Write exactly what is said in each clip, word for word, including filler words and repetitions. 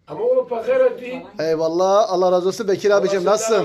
Ama o pakara değil. Eyvallah. Allah razı olsun Bekir abicim. Nasılsın?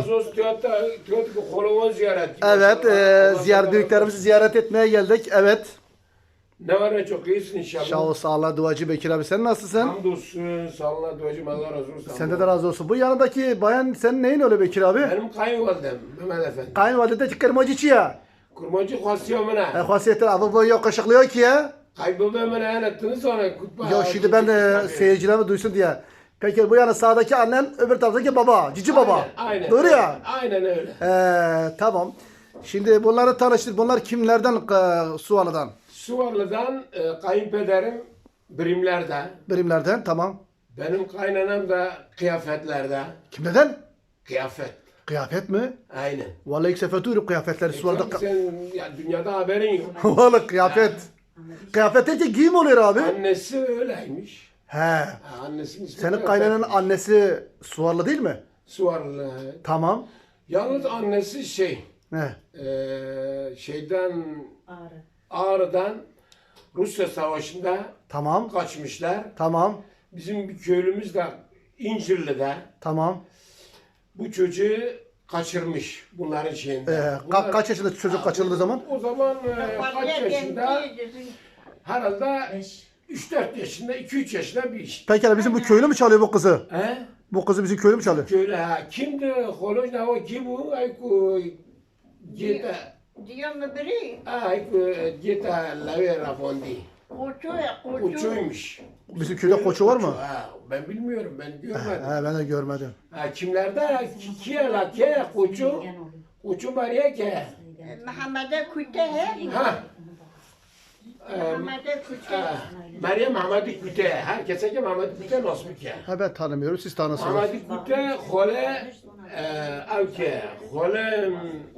Evet. E, ziyaret büyüklerimizi ziyaret etmeye geldik. Evet. Ne var ne çok iyisin inşallah. Sağ ol, sağ ol, duacı Bekir abi. Sen nasılsın? Hamdolsun. Sağ olun duacım. Allah razı olsun. Sende de razı olsun. Bu yanındaki bayan senin neyin öyle Bekir abi? Benim kayınvalidem Mehmet Efendi. Kayınvalide kırmacı ya. Kurmacı khasiyo E, mana. hasiyetler abi bu yok kaşıklıyor ki ya. Kayboldu mana anlattınız sonra kutba. Yok şimdi ben de seyircilerime duysun diye. Peki bu yana sağdaki annen öbür taraftaki baba. Cici baba. Aynen, aynen. Doğru ya. Aynen öyle. Ee, tamam. Şimdi bunları tanıştır. Bunlar kimlerden? E, Suvalı'dan. Suvarlı'dan e, kayınpederim birimlerde. Birimlerden. Tamam. Benim kaynanam da kıyafetlerde. Kimlerden? Kıyafet. Kıyafet mi? Aynen. Vallahi ilk sefer duyuyorum kıyafetleri Suvalı'da. Tabii sen ya, dünyada haberin yok. Vallahi kıyafet. Kıyafet deyince giyim oluyor abi. Annesi öyleymiş. He. Ha, annesinin ismi Senin Kıyafet. kaynananın annesi Suvarlı değil mi? Suvarlı. Tamam. Yalnız annesi şey, Ne? e, şeyden, Ağrı. Ağrı'dan Rusya Savaşı'nda Tamam. kaçmışlar. Tamam. Bizim bir köylümüz de İncirli'de Tamam. bu çocuğu kaçırmış bunların şeyinde. Ee, ka- Bunlar- kaç yaşında çocuk kaçırıldığı zaman? O zaman e, kaç yaşında? Herhalde Beş. üç dört yaşında, iki üç yaşında bir iş. Peki bizim bu köylü mü çalıyor bu kızı? He? Bu kızı bizim köylü mü çalıyor? Köylü ha. Kimdi? Koloj ne o kim bu? Ay ku Gita. Diyor mu biri? Ay ku Gita Lave Rafondi. Koçu ya koçu. Uçuymuş. Bizim köyde koçu var mı? Ha, ben bilmiyorum, ben görmedim. He, ben de görmedim. Ha, kimlerde? Kiye la ke koçu? Koçu var ya ke. Muhammed'e küte he. Ha. Ee, Muhammed'e küte. ha, Meryem Ahmadi Küte. Herkese ki Ahmadi Küte nasıl bir ke? Ha ben tanımıyorum, siz tanısınız. Ahmadi Küte hole ev ke. Hole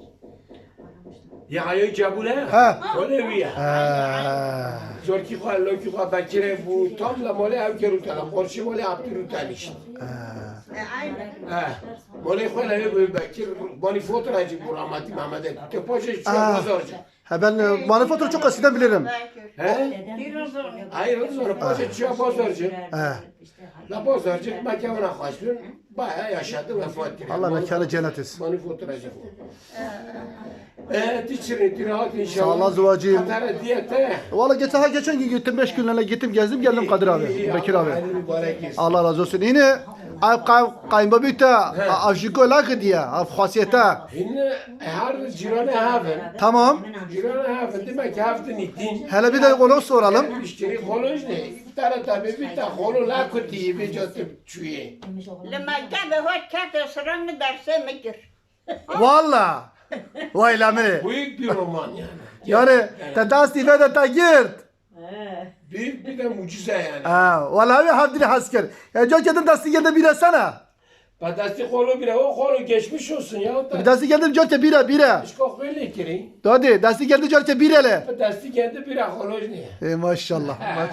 Yahya Cebule. Ha. Hole viye. He. Zorki xwa loki xwa bakire bu tam la mole ev ke rutana. Korşi mole abdi rutana işte. Aynen. Ha. Mole xwa la ev bakir. Bani fotoğrafçı bu rahmetli Mehmet'e. Te poşe şu Aa. pazarcı. Ha ben e, manifaturayı çok eskiden bilirim. He? Dinozor. Hayır sonra poşe şu pazarcı. He. La pazarcı mekanına kaçtı. Bayağı yaşadı vefat etti. Allah mekanı cennet etsin. Bani fotoğrafçı bu. Evet, içini rahat inşallah. Sağ ol Zuvacığım. Katara diyete. Valla geçen, ha geçen gün gittim, beş günlerle gittim, gezdim, geldim Kadir abi, Bekir abi. Allah mübarek etsin. Allah razı olsun. Yine ay kay kayınbabita avşiko lak diye, av hasiyeta. Hinne her cirane haven. Tamam. Cirane haven demek ki hafta nitin. Hele bir de onu soralım. İşleri koloj ne? Tara tabi bir ta kolu la kuti bir jotup çüye. Lama gabe hoş kate sıranı derse mikir. Valla. Vay lami. Büyük bir roman yani. Yani te dasti ve de ta girt. Büyük bir de mucize yani. Ha, vallahi havdini hasker. Ya çok kedin dasti geldi bire sana. Badasti kolu bile o kolu geçmiş olsun ya. O Bir da dasti geldi çok bire bire. işkok böyle kiri. Dodi dasti geldi çok birele. Badasti kendi bir koloj ne? E maşallah. maş-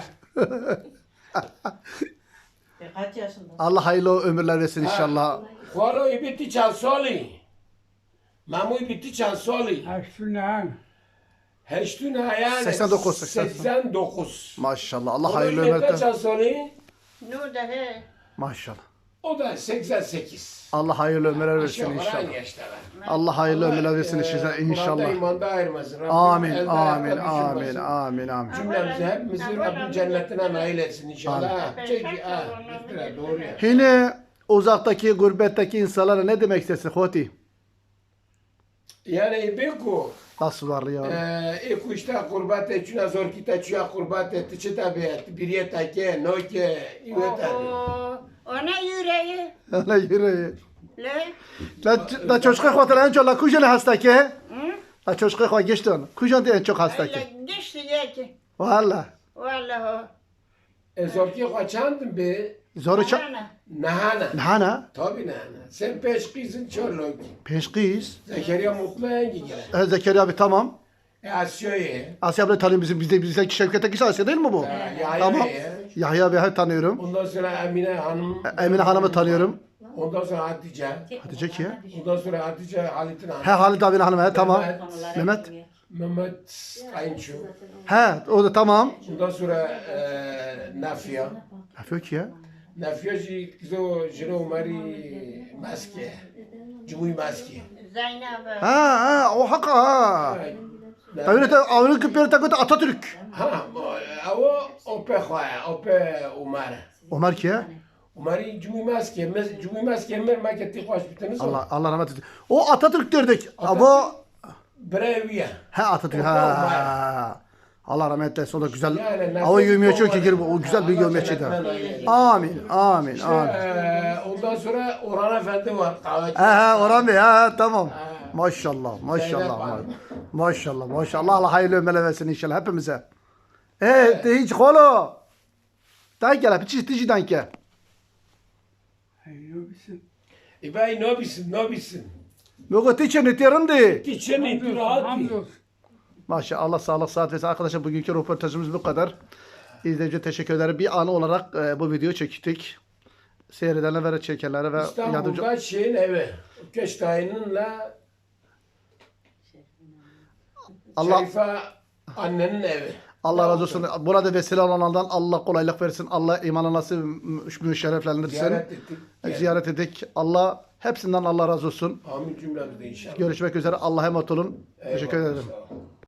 Kaç yaşında? Allah hayırlı ömürler versin inşallah. Kolu ibitti çal soli. Mamu ibitti çal soli. Aşkından Heştun yani. seksen dokuz, seksen. seksen dokuz. Maşallah. Allah Kolu hayırlı ibitti ömürler. çal soli. Nu da he. Maşallah. O da seksen sekiz. Allah hayırlı ömürler versin Aşağı yukarı inşallah. aynı yaştalar. Allah hayırlı ömürler versin e, size Kur'an'da inşallah. imanda ayırmasın. Rabbim Amin, elde amin, ayakta amin, düşürmesin. amin, amin. Cümlemizi hepimizi Rabbim cennetine nail etsin inşallah. Çünkü ha, iftira, doğru ya. Yine uzaktaki, gurbetteki insanlara ne demek istersin Hoti? Yani beku, Nasıl var ya? eku işte kurbat etçuna zor kita çuya kurbat etti çi tabi biriye take, noke, iveta. O ona yüreği. Öyle yüreği. Le. La, la çocuğa kuatala en çok la kujan hasta ki? Hı? La çocuğa kuat geçti onu. Kujan diye en çok hasta ki. Öyle geçti yeki. Valla. Vallahi. E zor ki kaçandın be, Zoru ça... Ana. nahana. Nahana? Tabi nahana. Sen peş kızın çorlok. Peşkiz. Zekeriya mutlu engi gelen. E, Zekeriya abi tamam. E Asya'yı. Asya abla tanıyorum bizim, bizde bizdeki Şevket'teki Asya değil mi bu? Yahya Tamam. Bey'i. Yahya abi her tanıyorum. Ondan sonra Emine Hanım. Emine Hanım'ı tanıyorum. Ondan sonra Hatice. Hatice ki? Ondan sonra Hatice Halit'in hanım. He Halit abinin hanımı he tamam. Mehmet. Mehmet. Mehmet Kayınço. He o da tamam. Ondan sonra e, Nafia. Yapıyor ki ya. Nafyoji kzo jino mari maske. Cumuy maske. Zeynep. Ha ha o haka ha. Tabii de avını kıpır takıt Atatürk. Ha, avo ope khoya, ope Umar. Ömer ki ya? Umari cumuy maske, mes cumuy maske mer maketi khoş bitiniz. Allah Allah rahmet eylesin. O Atatürk derdik. Ama Breviye. he Atatürk Ope ha. Allah rahmet eylesin. O da güzel. Yani Hava yövmeye çok nefes ki o güzel bir Allah yövmeyçiydi. cennetten ayırır. Amin amin İşte, amin. eee, ondan sonra Orhan Efendi var. Kahveci. He he Orhan Bey ha tamam. Ha. Maşallah maşallah. Zeynep ma- Hanım. Maşallah maşallah. Allah hayırlı ömürler versin inşallah hepimize. E de hiç kolo. Danke la piçi tici danke. İbay nobisin, nobisin. Mogo tiçe ne terindi. Geçeni rahat. Maşallah Allah sağlık saat versin. Arkadaşlar bugünkü röportajımız bu kadar. İzleyiciye teşekkür ederim. Bir anı olarak e, bu videoyu çektik. Seyredenlere ve çekenlere ve yardımcı... İstanbul'da şeyin evi. Keştahin'inla Allah Şerife annenin evi. Allah razı olsun. Burada vesile olanlardan Allah kolaylık versin. Allah imanı nasip müşerreflendirsin. Ziyaret ettik. Ziyaret ettik. Allah hepsinden Allah razı olsun. Amin cümlemizde inşallah. Görüşmek üzere. Allah'a emanet olun. Eyvallah, Teşekkür ederim. sağ ol.